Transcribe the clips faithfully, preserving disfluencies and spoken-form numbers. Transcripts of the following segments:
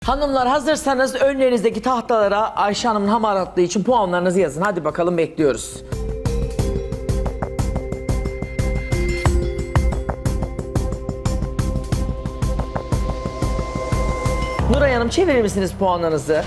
Hanımlar hazırsanız önlerinizdeki tahtalara Ayşe Hanım'ın hamaratlığı için puanlarınızı yazın. Hadi bakalım bekliyoruz. Nuray Hanım çevirir misiniz puanlarınızı?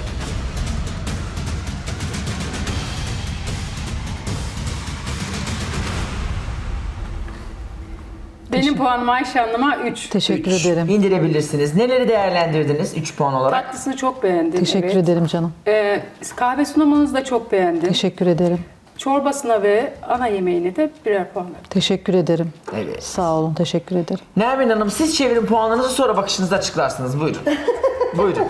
Benim puanım Ayşe Hanım'a üç. Teşekkür Üç. ederim. İndirebilirsiniz. Neleri değerlendirdiniz üç puan olarak? Tatlısını çok beğendim. Teşekkür evet. ederim canım. Ee, kahve sunumunuz da çok beğendim. Teşekkür ederim. Çorbasına ve ana yemeğine de birer puan verdim. Teşekkür ederim. Evet. Sağ olun. Teşekkür ederim. Nermin Hanım siz çevirin puanlarınızı, sonra bakışınızı açıklarsınız. Buyurun. Buyurun.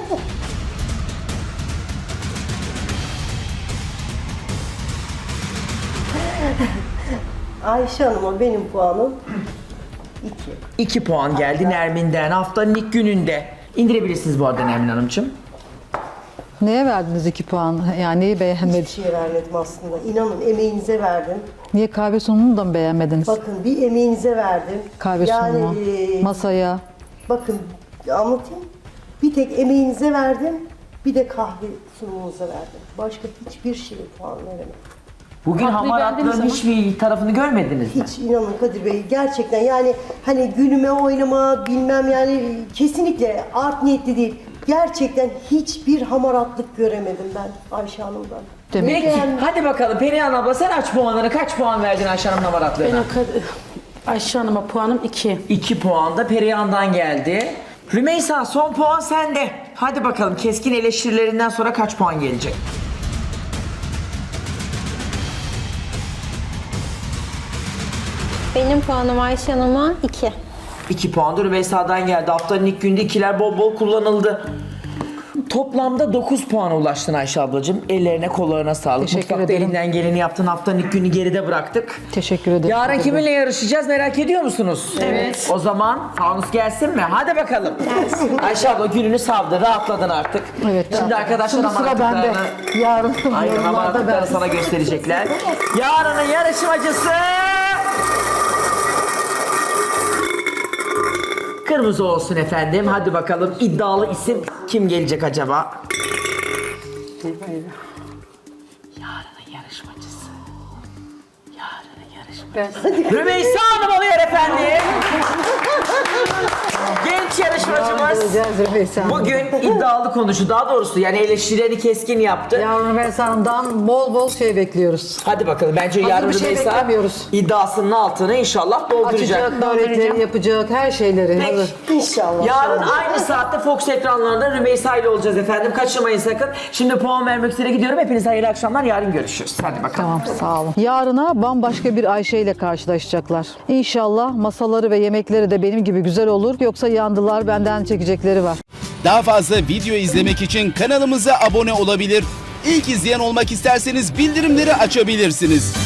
Ayşe Hanım'a benim puanım iki. İki puan geldi Nermin'den haftanın ilk gününde. İndirebilirsiniz bu arada Nermin Hanımcığım. Neye verdiniz iki puan? Yani neyi beğenmediniz? Hiçbir şey vermedim aslında. İnanın emeğinize verdim. Niye kahve sunumunu da mı beğenmediniz? Bakın bir emeğinize verdim. Kahve sunumu, e, masaya. bakın anlatayım. Bir tek emeğinize verdim. Bir de kahve sunumunuza verdim. Başka hiçbir şeye puan veremedim. Bugün Tatlıyı hamaratlığın beğendiniz hiçbir tarafını görmediniz mi? Hiç inanın Kadir Bey gerçekten yani hani gülüme oynama bilmem yani kesinlikle art niyetli değil. Gerçekten hiçbir hamaratlık göremedim ben Ayşe Hanım'dan. Demek Ne Peki beğendim? hadi bakalım Perihan abla sen aç puanları. Kaç puan verdin Ayşe Hanım'ın hamaratlığına? Benim kad- Ayşe Hanım'a puanım iki. İki puan da Perihan'dan geldi. Rümeysa son puan sende. Hadi bakalım keskin eleştirilerinden sonra kaç puan gelecek? Benim puanım Ayşe Hanım'a iki. İki puan da Rümeysa'dan geldi. Haftanın ilk günde ikiler bol bol kullanıldı. Toplamda dokuz puana ulaştın Ayşe ablacığım. Ellerine kollarına sağlık. Teşekkür Mutfakta ederim. elinden geleni yaptın. Haftanın ilk günü geride bıraktık. Teşekkür ederim. Yarın kiminle yarışacağız merak ediyor musunuz? Evet. O zaman fanus gelsin mi? Hadi bakalım. Ayşe abla gününü savdı. Rahatladın artık. Evet. Şimdi arkadaşlar Şimdi sıra bende. hamaratlıklarını- Yarın Aynen yorumlarda hamaratlıklarını ben. sana gösterecekler. Yarının yarışmacısı... Kırmızı olsun efendim. Hadi bakalım iddialı isim kim gelecek acaba? Yarının yarışmacısı. Yarının yarışmacısı. Ben Rümeysa Hanım oluyor efendim. Genç yarışmacımız. Göreceğiz Rümeysa Hanım. Bugün iddialı konuştu. Daha doğrusu yani eleştirilerini keskin yaptı. Yarın Rümeysa Hanım'dan bol bol şey bekliyoruz. Hadi bakalım bence Hazır yarın bir şey Rümeysa beklemiyoruz. iddiasının altını inşallah dolduracak. Açacak, börekleri yapacak, her şeyleri Peki. hazır. İnşallah. Yarın aynı saatte Fox ekranlarında Rümeysa ile olacağız efendim. Kaçırmayın sakın. Şimdi puan vermek üzere gidiyorum. Hepinize hayırlı akşamlar. Yarın görüşürüz. Hadi bakalım. Tamam sağ olun. Yarına bambaşka bir Ayşe ile karşılaşacaklar. İnşallah masaları ve yemekleri de benim gibi güzel olur. Yoksa yandılar, benden çekecekleri var. Daha fazla video izlemek için kanalımıza abone olabilir. İlk izleyen olmak isterseniz bildirimleri açabilirsiniz.